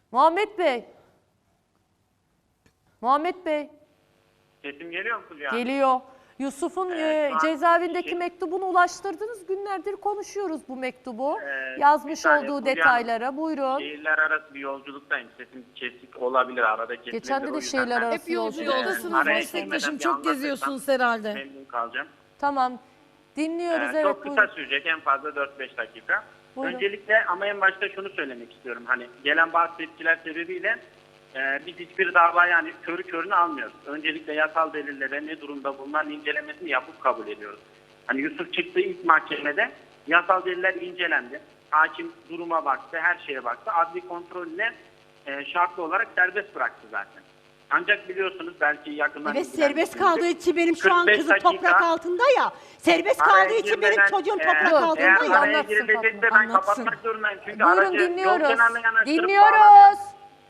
Muhammed Bey. Muhammed Bey. Sesim geliyor mu Fulya? Geliyor. Yusuf'un şu an cezaevindeki mektubunu ulaştırdınız. Günlerdir konuşuyoruz bu mektubu. bir Yazmış saniye olduğu Fulya, detaylara. Buyurun. Şehirler arası bir yolculuktayım. Sesim kesik olabilir. Arada kesilmedi. Geçen de O de yüzden şehirler ben arası Hep yolculuğundasınız araya meslektaşım. girmeden bir Çok geziyorsunuz herhalde. memnun kalacağım. Tamam. Dinliyoruz. Evet, Çok kısa buyurun. sürecek. En fazla 4-5 dakika. Buyurun. Öncelikle ama en başta şunu söylemek istiyorum. Hani gelen bazı tepkiler sebebiyle biz hiçbir dava yani körü körüne almıyoruz. Öncelikle yasal delillere ne durumda bulunan incelemesini yapıp kabul ediyoruz. Hani Yusuf çıktığı ilk mahkemede yasal deliller incelendi. Hakim duruma baktı, her şeye baktı. Adli kontrolle şartlı olarak serbest bıraktı zaten. Ancak biliyorsunuz belki yakından... Evet, serbest kaldığı için benim şu an 45 kızım dakika, toprak altında ya. Serbest araya kaldığı için benim girmeden, çocuğum toprak Dur, altında eğer ya. araya Anlatsın girilecekse Fatma, ben anlatsın. kapatmak zorundayım. Çünkü Buyurun, aracı yol dinliyoruz. kenarına yanaştırıp bağlamaya- Dinliyoruz.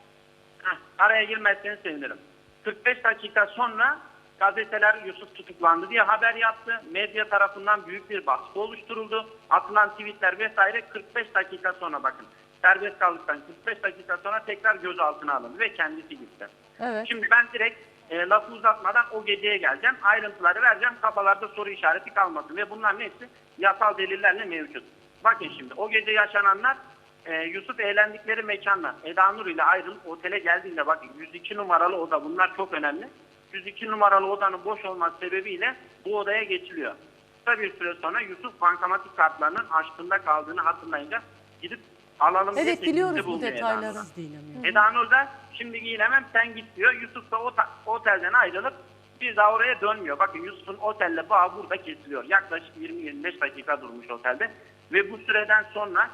Araya girmezseniz sevinirim. 45 dakika sonra gazeteler Yusuf tutuklandı diye haber yaptı. Medya tarafından büyük bir baskı oluşturuldu. Atılan tweetler vesaire 45 dakika sonra bakın. Serbest kaldıktan 45 dakika sonra tekrar gözaltına alındı ve kendisi gitti. Evet. Şimdi ben direkt lafı uzatmadan o geceye geleceğim. Ayrıntıları vereceğim. Kafalarda soru işareti kalmasın. Ve bunların hepsi yasal delillerle mevcut. Bakın şimdi o gece yaşananlar Yusuf eğlendikleri mekandan Eda Nur ile ayrılıp otele geldiğinde bakın 102 numaralı oda, bunlar çok önemli. 102 numaralı odanın boş olması sebebiyle bu odaya geçiliyor. Kısa bir süre sonra Yusuf bankamatik kartlarının aşkında kaldığını hatırlayınca gidip alalım diye Evet, teklifte biliyoruz bu bulunuyor Eda detayları. Nur'a. Eda Nur da şimdi giyinemem sen git diyor. Yusuf da otelden ayrılıp bir daha oraya dönmüyor. Bakın Yusuf'un otelle bağı burada kesiliyor. Yaklaşık 20-25 dakika durmuş otelde. Ve bu süreden sonra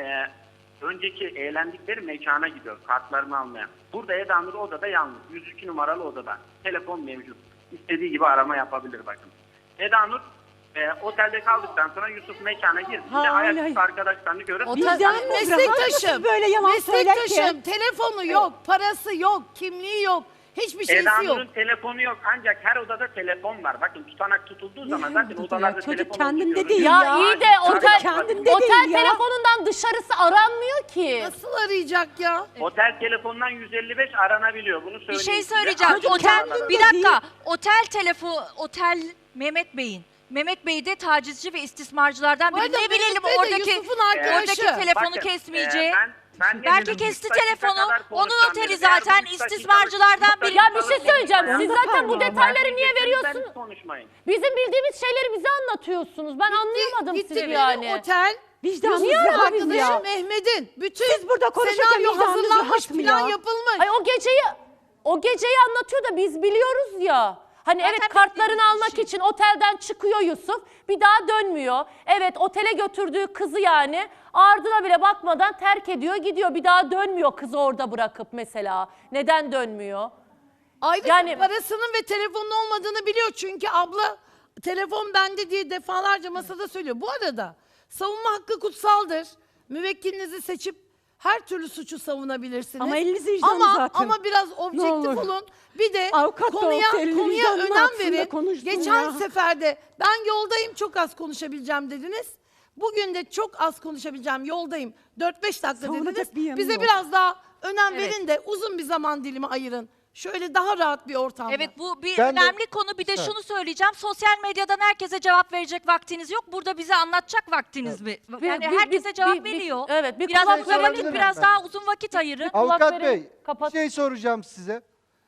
önceki eğlendikleri mekana gidiyor kartlarını almaya. Burada Eda Nur odada yalnız. 102 numaralı odada. Telefon mevcut. İstediği gibi arama yapabilir bakın. Eda Nur otelde kaldıktan sonra Yusuf mekana girdiğinde ayaküstü arkadaşlarını görüp Otel- Meslektaşım. Böyle yalan söyler ki. Meslektaşım. Telefonu yok, parası yok, kimliği yok. Hiçbir Eda şeysi yok. Nur'un telefonu yok ancak her odada telefon var. Bakın tutanak tutulduğu zaman zaten odalarda Çocuk telefon kendinde olduğu değil görülüyor. Ya iyi de otel, kendinde otel değil ya. telefonundan dışarısı aranmıyor ki. Nasıl arayacak ya? Otel telefonundan 155 aranabiliyor. Bunu söyleyeyim Bir şey size. söyleyeceğim. Çocuk Otel, kendinde bir dakika. değil. Otel Mehmet Bey'in. Mehmet Bey de tacizci ve istismarcılardan Bu biri. arada Ne bilelim Mehmet Bey de oradaki Yusuf'un arkadaşı. telefonu Bakın, kesmeyeceği. ben ne Belki dedim? kesti 3 dakika telefonu. kadar Onun konuşacağım oteli dedim. zaten Eğer bu 3 dakikalık- istismarcılardan biri. Ya bir şey söyleyeceğim. Siz Yanında zaten bu parmağım. detayları niye Lütfen veriyorsunuz? konuşmayın. Bizim bildiğimiz şeyleri bize anlatıyorsunuz. Ben anlayamadım Gitti sizi benim yani. otel. Vicdanınız Niye rahat aradınız mı Arkadaşım ya? Mehmet'in. Bütün Siz burada konuşurken senaryo vicdanınız hazırlanmış, rahat mı plan ya? yapılmış. Ay o geceyi anlatıyor da biz biliyoruz ya. Hani Zaten evet kartlarını bildiğimiz bir almak şey. için otelden çıkıyor Yusuf. Bir daha dönmüyor. Evet otele götürdüğü kızı yani ardına bile bakmadan terk ediyor gidiyor. Bir daha dönmüyor kızı orada bırakıp mesela. Neden dönmüyor? Ayrıca Yani- parasının ve telefonun olmadığını biliyor. Çünkü abla telefon bende diye defalarca masada söylüyor. Bu arada savunma hakkı kutsaldır. Müvekkilinizi seçip her türlü suçu savunabilirsiniz. Ama elinizi vicdanınız ama, atın. ama biraz objektif olur. olun. Bir de Avukat da konuya, olsa elini konuya vicdanına önem atsın da verin. konuşsun Geçen ya. seferde ben yoldayım çok az konuşabileceğim dediniz. Bugün de çok az konuşabileceğim yoldayım. 4-5 dakika Savunacak dediniz. bir yanı Bize yok. biraz daha önem Evet. verin de uzun bir zaman dilimi ayırın. Şöyle daha rahat bir ortamda. Evet bu bir Ben de- önemli konu. Bir de şunu söyleyeceğim. Sosyal medyadan herkese cevap verecek vaktiniz yok. Burada bize anlatacak vaktiniz mi? Yani herkese cevap veriyor. Evet bir Biraz kulak uzun vakit, verelim. biraz daha uzun vakit ayırın. Kulak Avukat verelim, Bey, kapat. bir şey soracağım size.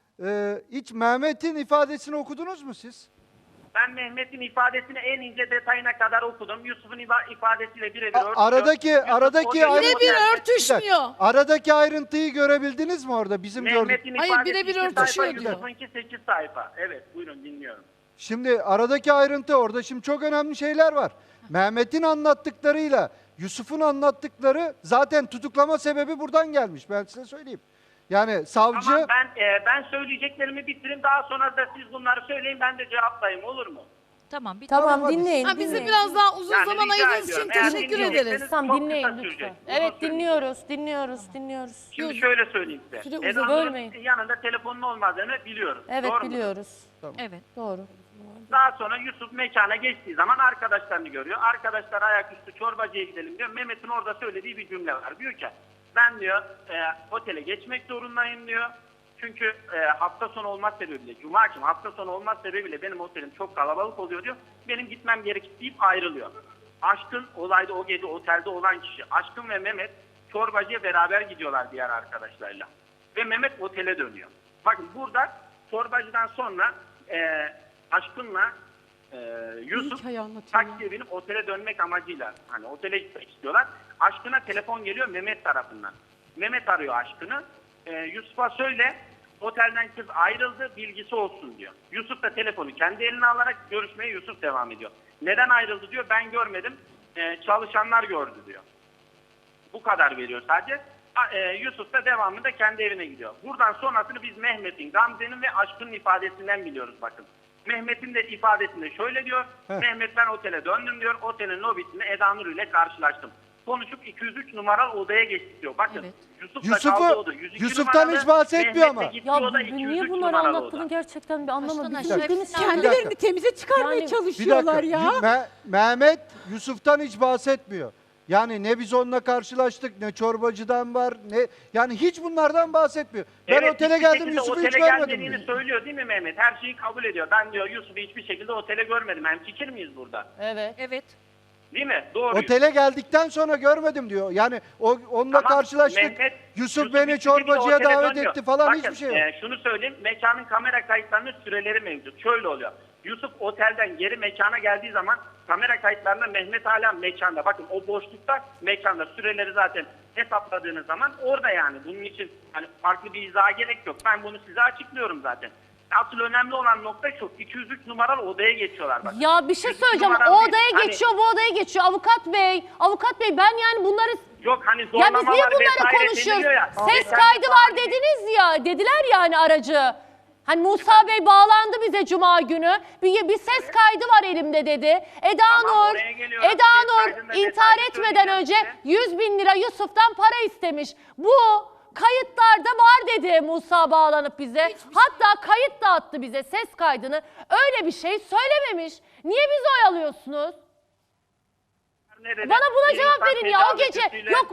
Hiç Mehmet'in ifadesini okudunuz mu siz? Ben Mehmet'in ifadesini en ince detayına kadar okudum. Yusuf'un ifadesiyle birebir örtüşüyor. Aradaki Yusuf aradaki o ayrı- Birebir otelde- örtüşmüyor. Aradaki ayrıntıyı görebildiniz mi orada bizim gördük? Mehmet'in Hayır, ifadesi birebir 2 sayfa, örtüşüyor diyor. Yusuf'unki 8 sayfa. Evet buyurun dinliyorum. Şimdi aradaki ayrıntı orada şimdi çok önemli şeyler var. Mehmet'in anlattıklarıyla Yusuf'un anlattıkları zaten tutuklama sebebi buradan gelmiş. Ben size söyleyeyim. Yani savcı Tamam ben söyleyeceklerimi bitireyim. Daha sonra da siz bunları söyleyin ben de cevaplayayım olur mu? Tamam. Tamam hadi. dinleyin. Ha, bize dinleyin. biraz daha uzun Yani zaman rica ayırdığınız için ediyorum. Eğer teşekkür dinleyecekseniz ederiz. Tamam çok dinleyin kısa lütfen. sürecek. Evet Uzun dinliyoruz. Şimdi Yok. şöyle söyleyeyim size. Süre Eda uzadı. Nur'un Bölmeyin. yanında telefonun olmadığını biliyoruz. Evet Doğru mu? biliyoruz. Evet. Doğru. Daha sonra Yusuf mekana geçtiği zaman arkadaşlarını görüyor. Arkadaşlar ayaküstü çorbacıya gidelim diyor. Mehmet'in orada söylediği bir cümle var. Diyor ki ben diyor otele geçmek zorundayım diyor. Çünkü hafta sonu olmaz sebebiyle, cuma akşamı hafta sonu olmaz sebebiyle benim otelim çok kalabalık oluyor diyor. Benim gitmem gerekir deyip ayrılıyor. Aşkın olayda o gece otelde olan kişi, Aşkın ve Mehmet çorbacıya beraber gidiyorlar diğer arkadaşlarla. Ve Mehmet otele dönüyor. Bakın burada çorbacıdan sonra Aşkın'la Yusuf taksiye binip otele dönmek amacıyla hani otele gitmek istiyorlar. Aşkın'a telefon geliyor Mehmet tarafından. Mehmet arıyor Aşkın'ı. Yusuf'a söyle otelden kız ayrıldı bilgisi olsun diyor. Yusuf da telefonu kendi eline alarak görüşmeye Yusuf devam ediyor. Neden ayrıldı diyor, ben görmedim, çalışanlar gördü diyor. Bu kadar veriyor sadece. Yusuf da devamında kendi evine gidiyor. Buradan sonrasını biz Mehmet'in, Gamze'nin ve Aşkın'ın ifadesinden biliyoruz bakın. Mehmet'in de ifadesinde şöyle diyor. Mehmet ben otele döndüm diyor. Otelin lobisinde Eda Nur ile karşılaştım. Konuşup 203 numaralı odaya geçtik diyor. Bakın Evet. Yusuf da kaldı oda. 102 Yusuf'tan numaralı, hiç bahsetmiyor Mehmet de ama. gitti Ya oda, niye 203 bunları numaralı anlattığını oda. gerçekten bir anlamadım. Baştan Bizim aşağı hepimiz hepsini yani- Kendilerini temize çıkarmaya Yani- Bir çalışıyorlar dakika. ya. Mehmet Yusuf'tan hiç bahsetmiyor. Yani ne biz onunla karşılaştık, ne çorbacıdan var, ne yani hiç bunlardan bahsetmiyor. Ben Evet, otele hiçbir geldim, şekilde Yusuf'u hiç otele görmedim gelmediğini diyor. söylüyor değil mi Mehmet? Her şeyi kabul ediyor. Ben diyor Yusuf'u hiçbir şekilde otele görmedim. Hemfikir miyiz burada? Evet. Evet. Değil mi? Doğru. Otele geldikten sonra görmedim diyor. Yani onunla Ama karşılaştık. Mehmet, Yusuf beni hiçbir şekilde çorbacıya otele davet dönmüyor. etti falan, Bakın, hiçbir şey yok. Şunu söyleyeyim. Mekanın kamera kayıtlarının süreleri mevcut. Şöyle oluyor. Yusuf otelden geri mekana geldiği zaman kamera kayıtlarında Mehmet hala mekanda. Bakın o boşlukta mekanda süreleri zaten hesapladığınız zaman orada yani. Bunun için hani farklı bir izaha gerek yok. Ben bunu size açıklıyorum zaten. Asıl önemli olan nokta şu. 203 numaralı odaya geçiyorlar. Bakın. Ya bir şey 203 söyleyeceğim. numaralı O değil. odaya Hani- geçiyor, bu odaya geçiyor. Avukat Bey ben yani bunları... Yok hani Ya biz zorlamalar niye bunları vesaire konuşuyoruz? deniliyor ya. Ses Geçen kaydı defa var hani- dediniz ya. Dediler yani aracı. Hani Musa Bey bağlandı bize Cuma günü. Bir ses kaydı var elimde dedi. Eda Tamam, Nur, oraya geliyorum. Eda Ses Nur kaydında intihar detaylı etmeden söyleyeceğim önce size. 100.000 lira Yusuf'tan para istemiş. Bu kayıtlarda var dedi Musa bağlanıp bize. Hatta kayıt da attı bize ses kaydını. Öyle bir şey söylememiş. Niye bizi oyalıyorsunuz? Nerede? Bana buna Bir cevap insan verin ya o tedavi gece. kötüyle- Yok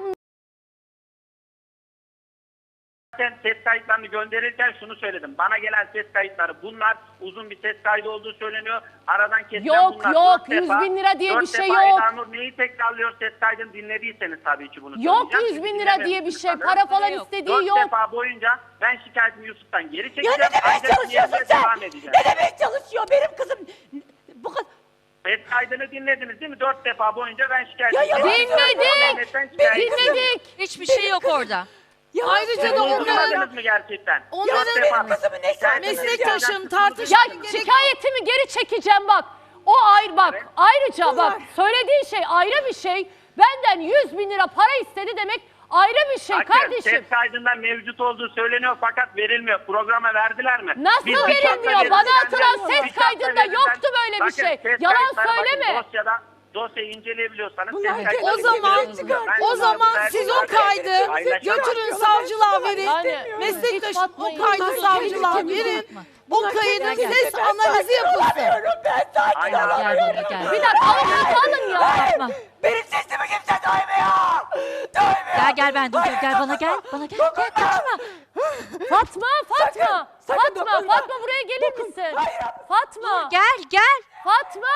Zaten ses kayıtlarını gönderirken şunu söyledim. Bana gelen ses kayıtları bunlar, uzun bir ses kaydı olduğu söyleniyor. Aradan kesilen Yok, bunlar. yok, 4 defa, 100.000 lira diye 4 bir şey defa yok. Eda Nur neyi tekrarlıyor ses kaydını dinlediyseniz tabii ki bunu Yok söyleyeceğim. 100.000 Çünkü lira diye bir dinlememişsiniz şey. sanırım. Para falan Yok. istediği 4 yok. defa boyunca ben şikayetimi Yusuf'tan geri çekeceğim. Ya ne demeye Ancak çalışıyorsun yerine sen? devam edeceğim. Ne demeye çalışıyor benim kızım? Bu kadar... Ses kaydını dinlediniz değil mi? 4 defa boyunca ben şikayet Ya edeceğim. Dinledik. Dinledik. Hiçbir şey yok orada. Ya Ayrıca da Siz onların durdurmadınız mı gerçekten? onların Dört defa benim kızımın ne şikayet edeceğim. meslektaşım Ya tartışmaya gerek yok. şikayetimi geri çekeceğim bak. O ayrı bak. Evet. Ayrıca bak söylediğin şey ayrı bir şey. Benden 100.000 lira para istedi demek ayrı bir şey Bakın, kardeşim. ses kaydında mevcut olduğu söyleniyor fakat verilmiyor. Programa verdiler mi? Nasıl Biz bir verilmiyor? şartla Bana verilden- atılan ses bir şartla kaydında verilden- yoktu böyle bir Bakın, şey. ses Yalan kayıtları bakın, söyleme. Dosyayı inceleyebiliyorsanız Bunlar ses kayıtları O zaman inceleyebiliyorsunuz. o zaman Ben siz bunu o kaydı paylaşamam. götürün savcılığa verin. Yani, Meslektaşım hiç o batmayın. kaydı Bunlar savcılığa kendini verin. Fatma. O kaydın ses analizi yapılsın. Ben sakin Aynen. Gel bana gel. Bir dakika avukatı alın ya. Fatma. Benim sesimi kimse duymuyor. Duymuyor. Gel ben dur gel bana gel. Bana gel. Gel kaçma. Fatma. sakın Fatma dokunma. buraya gelir misin? Fatma. Gel. Fatma.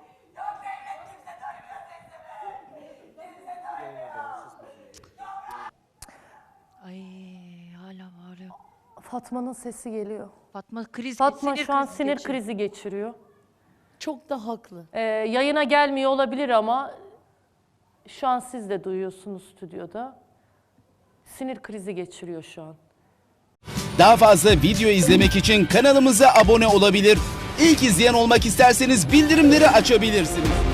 Ay hala bağırıyor. Fatma'nın sesi geliyor. Fatma Fatma şu an krizi sinir geçiriyor. krizi geçiriyor. Çok da haklı. Yayına gelmiyor olabilir ama şu an siz de duyuyorsunuz stüdyoda. Sinir krizi geçiriyor şu an. Daha fazla video izlemek için kanalımıza abone olabilir. İlk izleyen olmak isterseniz bildirimleri açabilirsiniz.